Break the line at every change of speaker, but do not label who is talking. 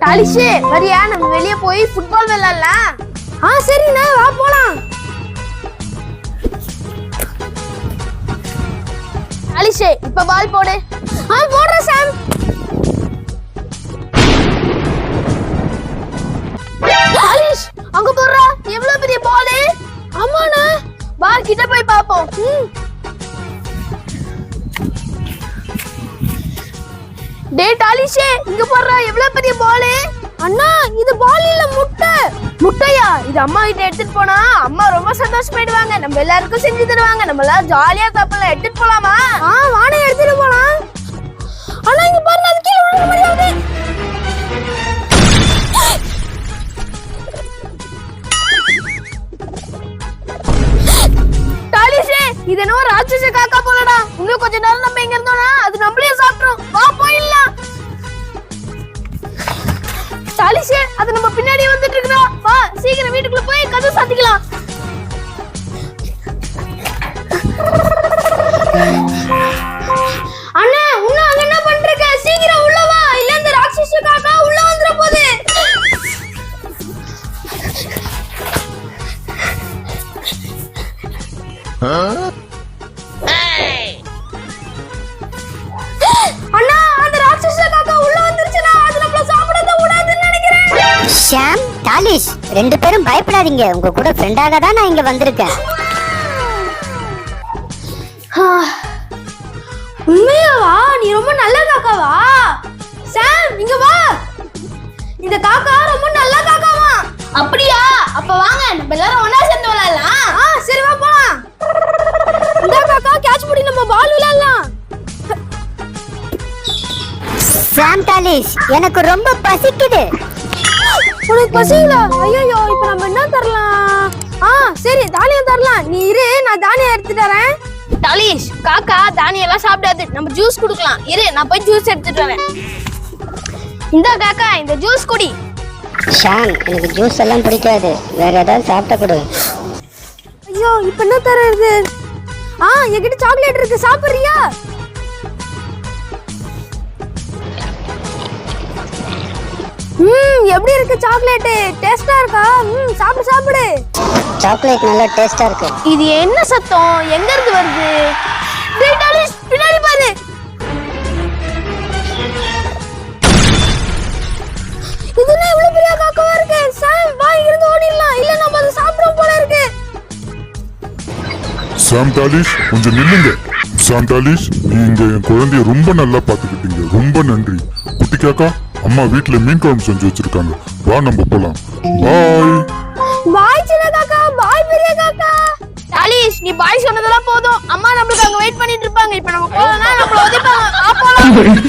தாலிஷே வரியா நம்ம வெளிய போய் ஃபுட்பால் விளையாடலாம். சரிண்ணா வா போலாம். தாலிஷே இப்ப பால் போடு. போடுறேன் சாம். தாலிஷ் அங்க போடுறா. எவ்வளவு பெரிய பால். ஆமாண்ணா. பால் கிட்ட போய் பாப்போம். டே தாலிஷே இங்க போடுறா. எவ்வளவு பெரிய பால். அண்ணா இது பால் இல்ல முட்டை. முட்டையா? இது அம்மா கிட்ட எடுத்துட்டு போனா அம்மா ரொம்ப சந்தோஷப்படுவாங்க. நம்ம எல்லாருக்கும் செஞ்சு தருவாங்க. நம்ம எல்லாம் ஜாலியா சாப்பிடலாம். எடுத்துட்டு போலாமா? வாடகை எடுத்துட்டு போலாம். அண்ணா இங்க பாருங்க அது கீழ விழுற மாதிரி ஆகுது. தாலிஷே இது என்ன ராட்சச காக்கா போலடா. இன்னும் கொஞ்ச நேரம் நம்ம எங்க இருந்தோம்னா அது நம்மளே சாப்பிடும். வா போயிடலாம். தாலிஷே அது நம்ம பின்னாடி வந்துட்டு இருக்குடா. வா சீக்கிரம் வீட்டுக்குள்ள போய் கதவு சாத்திக்கலாம். அண்ணா உன்ன அங்க என்ன பண்றீங்க? சீக்கிரம் உள்ள வா. இல்ல இந்த ராட்சச காக்கா உள்ள வந்துற போகுது. அண்ணா அந்த ராட்சச காக்கா உள்ள வந்துருச்சுனா அது நம்மள சாப்பிட கூடாதுன்னு நினைக்கிறேன்.
ஷாம், தாலிஷ் ரெண்டு பேரும் பயப்படாதீங்க. உங்க கூட ஃப்ரெண்டாக தான் நான் இங்க வந்திருக்கேன்.
உண்மையாவா? நீ ரொம்ப நல்ல காக்காவா? சாம் இங்க வா. இந்த காக்கா ரொம்ப நல்ல காக்காவா? அப்படியா? அப்ப வாங்க நம்ம எல்லாரும் ஒண்ணா சேர்ந்து விளையாடலாம். சரி வா போலாம். இந்த காக்கா கேட்ச் பண்ணி நம்ம பால் விளையாடலாம்.
ஷாம், தாலிஷ் எனக்கு ரொம்ப பசிக்குது.
உனக்கு பசிங்களா? ஐயோ இப்ப நம்ம என்ன தரலாம்? சரி தானியம் தரலாம். நீ இரு நான் தானியம் எடுத்துட்டு வரேன். தாலிஷ் காக்கா தானியம் எல்லாம் சாப்பிடாது. நம்ம ஜூஸ் குடுக்கலாம். இரு நான் போய் ஜூஸ் எடுத்துட்டு வரேன். இந்த காக்கா இந்த ஜூஸ் குடி.
ஷாம், எனக்கு ஜூஸ் எல்லாம் பிடிக்காது. வேற ஏதாவது சாப்பிட்ட கொடு.
ஐயோ இப்ப என்ன தரது? என்கிட்ட சாக்லேட் இருக்கு. சாப்பிடுறியா? எப்படி இருக்கு சாக்லேட்? டேஸ்டா இருக்கா? சாப்பிடு சாப்பிடு.
சாக்லேட் நல்லா டேஸ்டா இருக்கு.
இது என்ன சத்தம்? எங்க இருந்து வருது? டேய் தாலிஷ் பின்னாடி பாரு. இது என்ன இவ்வளவு பெரிய காக்காவா இருக்கு? சாம் வா இருந்து ஓடிடலாம். இல்ல நம்ம அதை சாப்பிடுறோம் போல இருக்கு.
சாம், தாலிஷ் கொஞ்சம் நில்லுங்க. சாம், தாலிஷ் நீங்க என் குழந்தைய ரொம்ப நல்லா பாத்துக்கிட்டீங்க. ரொம்ப நன்றி. குட்டி காக்கா அம்மா வீட்டுல மீன் குழம்பு செஞ்சு வச்சிருக்காங்க. வா நம்ம போலாம். பாய்.
பாய் சின்ன காக்கா. பாய் பெரிய காக்கா. தாலிஷ் நீ பாய் சொன்னதெல்லாம் போதும். அம்மா நம்மளுக்கு அங்க வெயிட் பண்ணிட்டு இருப்பாங்க. இப்ப நம்ம போறோம்னா நம்மள உதைப்பாங்க. வா போலாம்.